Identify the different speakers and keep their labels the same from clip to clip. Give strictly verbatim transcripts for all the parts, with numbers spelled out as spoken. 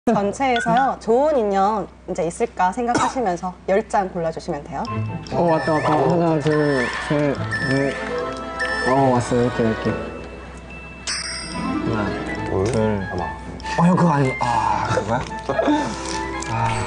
Speaker 1: 전체에서요 좋은 인연 이제 있을까 생각하시면서 열 장 골라주시면 돼요.
Speaker 2: 어 왔다 왔다. 하나 둘 셋 넷. 어 왔어. 이렇게 이렇게. 하나 둘. 어 형 그거 아니고. 아 그거야? 아.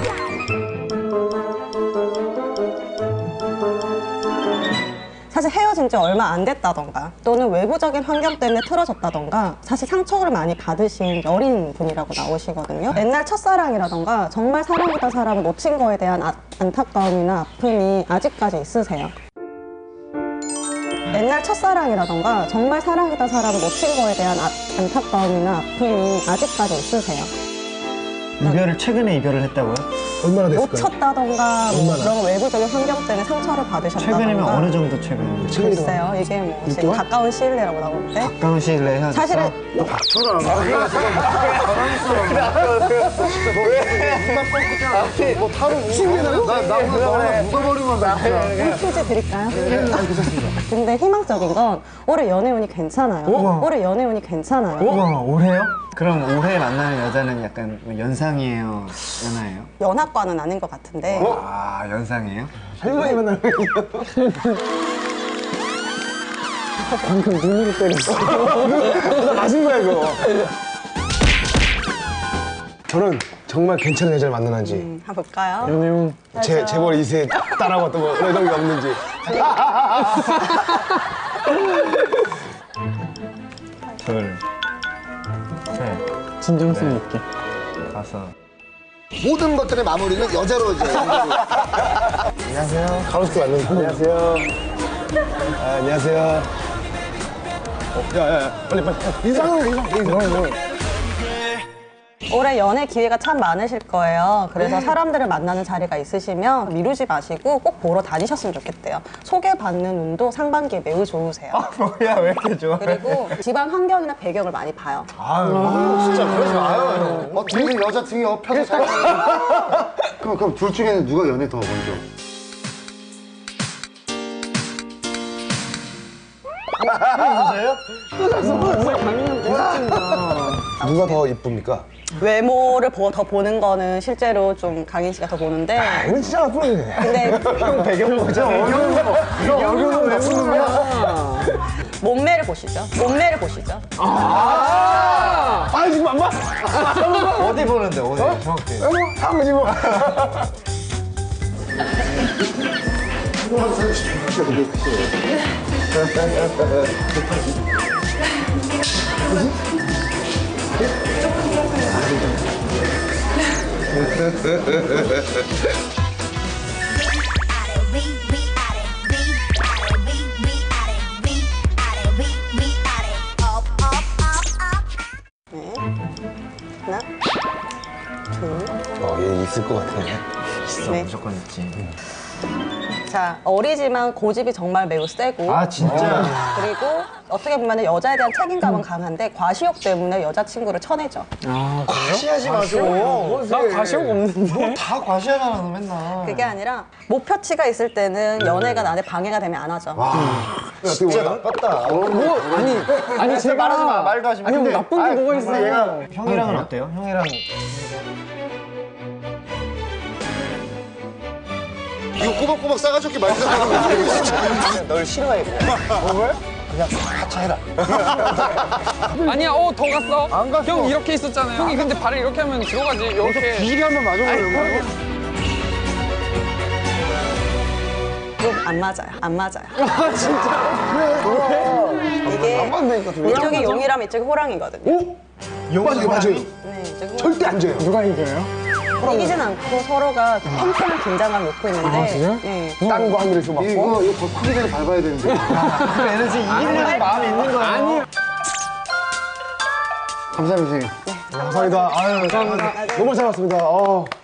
Speaker 1: 사실 헤어진 지 얼마 안 됐다던가 또는 외부적인 환경 때문에 틀어졌다던가 사실 상처를 많이 받으신 여린 분이라고 나오시거든요. 옛날 첫사랑이라던가 정말 사랑했던 사람을 놓친 거에 대한 아, 안타까움이나 아픔이 아직까지 있으세요. 옛날 첫사랑이라던가 정말 사랑했던 사람을 놓친 거에 대한 아, 안타까움이나 아픔이 아직까지 있으세요.
Speaker 2: 이별을 최근에 이별을 했다고요?
Speaker 3: 얼마나 됐을까요?
Speaker 1: 놓쳤다던가 뭐 그런 외부적인 환경 때문에 상처를 받으셨다던가.
Speaker 2: 최근이면 어느 정도 최근?
Speaker 1: 글쎄요. 이게 뭐 지금 가까운 시일 내라고 나오는데
Speaker 2: 가까운 시일 내에 헤어졌어?
Speaker 1: 사실은
Speaker 3: 뭐 타로 묻어버리고 나나 묻어버리고 나
Speaker 1: 퀴즈 드릴까요? 근데 희망적인 건 올해 연애운이 괜찮아요. 올해 연애운이 괜찮아요.
Speaker 2: 우와 올해요? 그럼 올해 만나는 여자는 약간 뭐 연상이에요? 연하예요?
Speaker 1: 연하과는 아닌 것 같은데
Speaker 2: 아 연상이에요?
Speaker 3: 할머니 만나는 거
Speaker 2: 방금 눈으로 때렸어.
Speaker 3: 맞은 거야 이거. 저는 정말 괜찮은 여자를 만나는지
Speaker 1: 음, 한번 볼까요?
Speaker 2: 연애운
Speaker 3: 제, 제 머리 이세 따라하고 어떤 뭐 이런 게 없는지.
Speaker 2: 둘 셋
Speaker 4: 진정성 있게.
Speaker 2: 다섯
Speaker 5: 모든 것들의 마무리는 여자로 이제 연결이.
Speaker 3: 안녕하세요. 가로수길 맞는 안녕하세요. 아, 안녕하세요. 어, 야, 야, 야, 빨리, 빨리. 인사하고, 인사, 인사.
Speaker 1: 올해 연애 기회가 참 많으실 거예요. 그래서 사람들을 만나는 자리가 있으시면 미루지 마시고 꼭 보러 다니셨으면 좋겠대요. 소개받는 운도 상반기에 매우 좋으세요.
Speaker 2: 뭐야 왜 이렇게 좋아?
Speaker 1: 그리고 집안 환경이나 배경을 많이 봐요.
Speaker 5: 아유, 진짜 그러지 마요. 어, 등에 여자 등에 업혀서 잘. 그럼 그럼 둘 중에는 누가 연애 더 먼저?
Speaker 3: 누가 더 이쁩니까?
Speaker 1: 외모를 보, 더 보는 거는 실제로 좀 강인 씨가 더 보는데
Speaker 3: 이건 진짜 나쁘네.
Speaker 1: 근데
Speaker 2: 배경 보자.
Speaker 3: 여기는 왜 보는 거야?
Speaker 1: 몸매를 보시죠. 몸매를 보시죠.
Speaker 3: 아, 지금 안 봐?
Speaker 2: 어디 보는데 어디 정확히?
Speaker 3: 뭐, 아버지 뭐.
Speaker 1: 네. 하나, 둘,
Speaker 3: 어, 얘 있을 것 같아.
Speaker 2: 있어
Speaker 1: 네.
Speaker 2: 무조건 있지.
Speaker 1: 자, 어리지만 고집이 정말 매우 세고
Speaker 2: 아 진짜?
Speaker 1: 그리고 어떻게 보면 여자에 대한 책임감은 강한데 과시욕 때문에 여자친구를 쳐내죠.
Speaker 2: 아
Speaker 5: 과시하지 마시고.
Speaker 2: 나 과시욕 없는데? 다 과시하잖아 너 맨날.
Speaker 1: 그게 아니라 목표치가 있을 때는 연애가 나한테 방해가 되면 안 하죠.
Speaker 5: 진짜 나빴다.
Speaker 2: 뭐 아니 아니 제가
Speaker 5: 말하지 마, 말도 하지 마.
Speaker 2: 아니 뭐
Speaker 5: 근데-
Speaker 2: 나쁜 게
Speaker 5: 아니,
Speaker 2: 뭐가
Speaker 5: 근데
Speaker 2: 있어요?
Speaker 5: 얘가-
Speaker 2: 형이랑은 어때요? 형이랑
Speaker 5: 이거 꼬박꼬박 싸가지고 말도 안 하는 거야. 진짜.
Speaker 3: 널 싫어해. 어, 왜?
Speaker 5: 그냥 같이 해라.
Speaker 4: 아니야, 어, 더 갔어.
Speaker 5: 안 갔어.
Speaker 4: 형 이렇게 있었잖아요. 형이 근데 발을 이렇게 하면 들어가지. 이렇게.
Speaker 5: 비실이 한번 맞아보려고.
Speaker 1: 좀 안 맞아요. 안 맞아요. 아 진짜? 이게
Speaker 3: 맞다니까, 둘이.
Speaker 1: 이쪽이 용이라면 이쪽이 호랑이거든요.
Speaker 3: 오? 맞아요, 맞아요.
Speaker 1: 네, 이쪽이 호랑이.
Speaker 3: 절대 안 져요.
Speaker 2: 누가 이겨요?
Speaker 1: 이기진 않고 서로가 팽팽한 긴장감을 놓고 있는데
Speaker 2: 아, 진짜?
Speaker 1: 네.
Speaker 3: 땅과 하늘에서 맞고.
Speaker 5: 이거 이거 더 크기 전에 밟아야 되는데.
Speaker 2: 그 에너지 이기려는 마음이 있는 거야. 아니.
Speaker 5: 감사합니다 선생님.
Speaker 3: 감사합니다. 아유, 너무 잘 봤습니다. 어.